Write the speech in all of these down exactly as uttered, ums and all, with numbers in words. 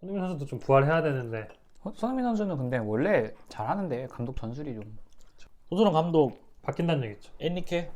손흥민 선수도 좀 부활해야 되는데. 어, 손흥민 선수는 근데 원래 잘하는데 감독 전술이 좀 토트넘 감독 바뀐다는 얘기죠. 엔리케?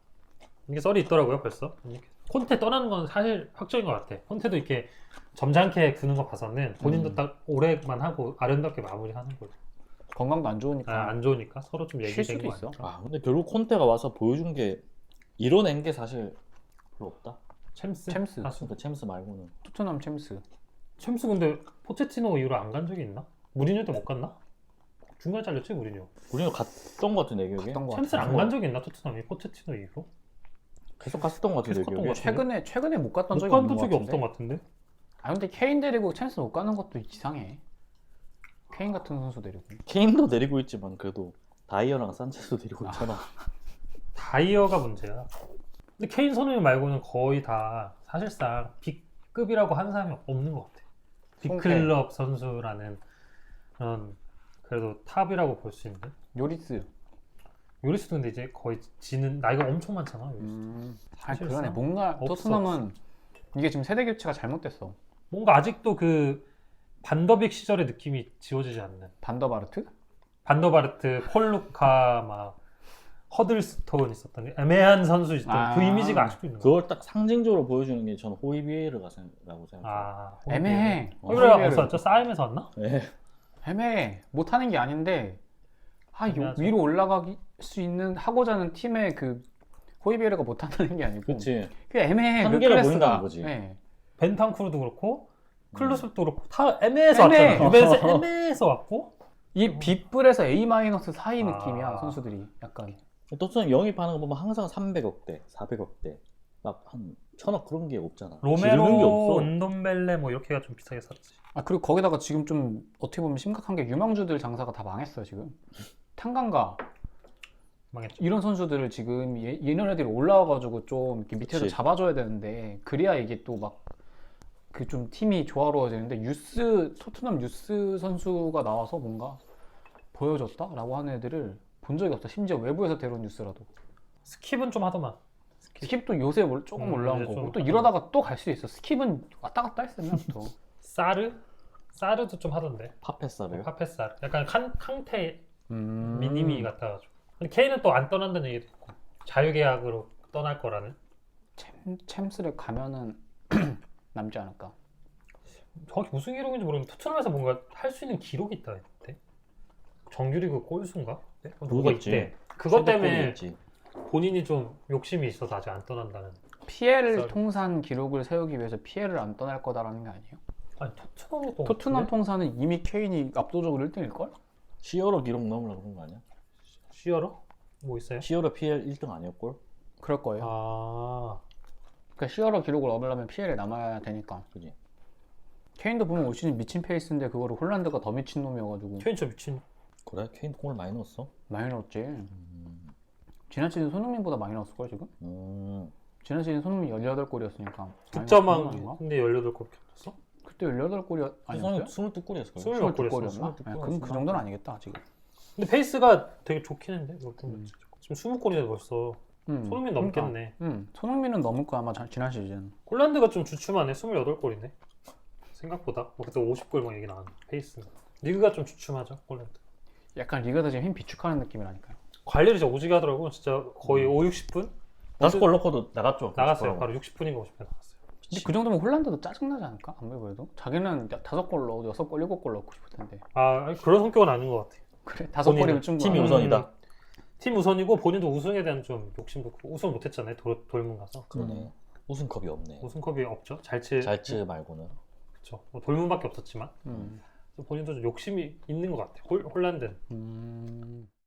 이게 썰이 있더라고요 벌써. 콘테 떠나는 건 사실 확정인 것 같아. 콘테도 이렇게 점잖게 구는 거 봐서는 본인도 음. 딱 오래만 하고 아름답게 마무리하는 거죠. 건강도 안 좋으니까 아, 안 좋으니까 서로 좀 쉴 얘기된 수도 거 있어. 아닐까? 아 근데 결국 콘테가 와서 보여준 게 이뤄낸 게 사실 별로 없다. 챔스? 챔스. 사수. 그러니까 챔스 말고는. 토트넘 챔스. 챔스 근데 포체티노 이후로 안 간 적이 있나? 무리뉴 때 못 갔나? 중간에 잘렸지 무리뉴. 우리는 갔던 것 같은데 기억에. 갔던 것 챔스를 같아. 안 간 적이 있나 토트넘이 포체티노 이후로? 계속 갔었던 것 같은데 계속 갔던 기억에. 것 같아. 최근에 최근에 못 갔던 못 적이 간 없는 것 적이 같은데. 없던 것 같은데? 아 근데 케인 데리고 챔스 못 가는 것도 이상해. 케인 같은 선수 데리고. 케인도 내리고 있지만 그래도 다이어랑 산체스도 데리고 있잖아. 다이어가 문제야. 근데 케인 손흥민 말고는 거의 다 사실상 B급이라고 하는 사람이 없는 것 같아. B클럽 선수라는 그런 그래도 탑이라고 볼 수 있는. 요리스. 요리스도 근데 이제 거의 지는 나이가 엄청 많잖아. 요리스. 음. 아 사실상 그러네. 뭔가 없어, 토트넘은 이게 지금 세대 교체가 잘못됐어. 뭔가 아직도 그 반더빅 시절의 느낌이 지워지지 않는. 반더바르트? 반더바르트, 폴루카, 막 허들스톤 있었던 애매한 선수 있던 아. 그 이미지가 아직도 있는 거야. 그걸 딱 상징적으로 보여주는 게 저는 호이비에르라고 생각해요. 아, 애매해. 어, 그래 호이비에르. 어디서 왔죠? 싸임에서 왔나? 네. 애매해. 못하는 게 아닌데 아 요, 애매하죠. 위로 올라갈 수 있는 하고자 하는 팀의 그 호이비에르가 못한다는 게 아니고 그렇지. 그 애매해. 그 한계를 클래스가. 보인다는 거지. 네. 벤탄쿠르도 그렇고 클루스도 그렇고 다 애매해서 애매해. 왔잖아. 유벤에서 애매해서 왔고 이 B뿔에서 A 마이너스 사이 아. 느낌이야 선수들이 약간. 토트넘 영입하는 거 보면 항상 삼백억대, 사백억대, 막 한 천억 그런 게 없잖아. 지르는 게 로메로, 없어. 은돔벨레 뭐 이렇게가 좀 비싸게 샀지. 아 그리고 거기다가 지금 좀 어떻게 보면 심각한 게 유망주들 장사가 다 망했어요 지금. 탄강가 망했죠. 이런 선수들을 지금 얘, 얘네들이 올라와가지고 좀 이렇게 밑에서 그치. 잡아줘야 되는데 그래야 이게 또 막 그 좀 팀이 조화로워지는데 유스 토트넘 유스 선수가 나와서 뭔가 보여줬다라고 하는 애들을 본 적이 없어. 심지어 외부에서 데려온 뉴스라도. 스킵은 좀 하더만. 스킵도 요새 올- 조금 음, 올라온 이제 거고 좀 또 이러다가 또 갈 수도 있어. 스킵은 왔다 갔다 했어 옛날부터. 사르? 사르도 좀 하던데. 파페사를. 파페사르. 약간 칸, 캉테 음. 미니미 같아가지고. 근데 케인은 또 안 떠난다는 얘기도 있고. 자유계약으로 떠날 거라는. 챔, 챔스를 가면은 남지 않을까. 정확히 무슨 기록인지 모르겠는데 토트넘에서 뭔가 할 수 있는 기록이 있다 했대. 정규리그 골수인가? 네? 뭐가 그거겠지. 있대. 그것 때문에 최대골이었지. 본인이 좀 욕심이 있어서 아직 안 떠난다는. 피엘 썰. 통산 기록을 세우기 위해서 피엘을 안 떠날 거다라는 게 아니에요? 아니 토트넘이 또 토트넘 어떡해? 통산은 이미 케인이 압도적으로 일 등일 걸? 시어러 기록 넘으려고 그런 거 아니야? 시어러? 뭐 있어요? 시어러 피엘 일 등 아니었걸? 그럴 거예요. 아 그러니까 시어러 기록을 얻으려면 피엘에 남아야 되니까. 그지. 케인도 보면 올 시즌 미친 페이스인데 그거를 홀란드가 더 미친 놈이어가지고 케인 진짜 미친. 그래? 케인 골 많이 넣었어? 많이 넣었지. 음. 지난 시즌 손흥민보다 많이 넣었을 걸 지금? 음. 지난 시즌 손흥민 열여덟 골이었으니까. 득점왕 근데 열여덟 골 켰어? 그때 열여덟 골이 아니었어요? 스물두 골이었을 거야. 스물몇 스물두 골이었어. 골이었나? 스물두 네, 골, 그럼 그 스물한 정도는 골. 아니겠다 지금. 근데 페이스가 되게 좋긴 했는데 이거 좀 음. 지금 스무 골이네 벌써. 음, 손흥민 그러니까. 넘겠네. 음, 손흥민은 넘을 거야 아마 자- 지난 시즌. 홀란드가 좀 주춤하네. 스물여덟 골이네. 생각보다. 뭐 그때 오십 골 막 얘기 나왔는데 페이스. 리그가 좀 주춤하죠 홀란드. 약간 리그에서 지금 힘 비축하는 느낌이라니까요. 관리를 진짜 오지게 하더라고. 진짜 거의 오, 육십 분 다섯 골 넣고도 나갔죠. 나갔어요. 그래서. 바로 육십 분인가 오십 분 나갔어요. 근데 그 정도면 홀란드도 짜증나지 않을까? 아무리 그래도 자기는 다섯 골 넣어도 여섯 골 일곱 골 넣고 싶을 텐데. 아 아니, 그런 성격은 아닌 것 같아. 그래 다섯 본인은 골이면 충분하. 팀이 음. 우선이다. 팀 우선이고 본인도 우승에 대한 좀 욕심도 크고 우승 못했잖아요. 돌, 돌문 가서. 그러네. 우승컵이 없네. 우승컵이 없죠. 잘치. 잘츠 말고는. 그렇죠. 뭐 돌문밖에 없었지만 음. 본인도 좀 욕심이 있는 것 같아. 홀, 홀란드는. 음.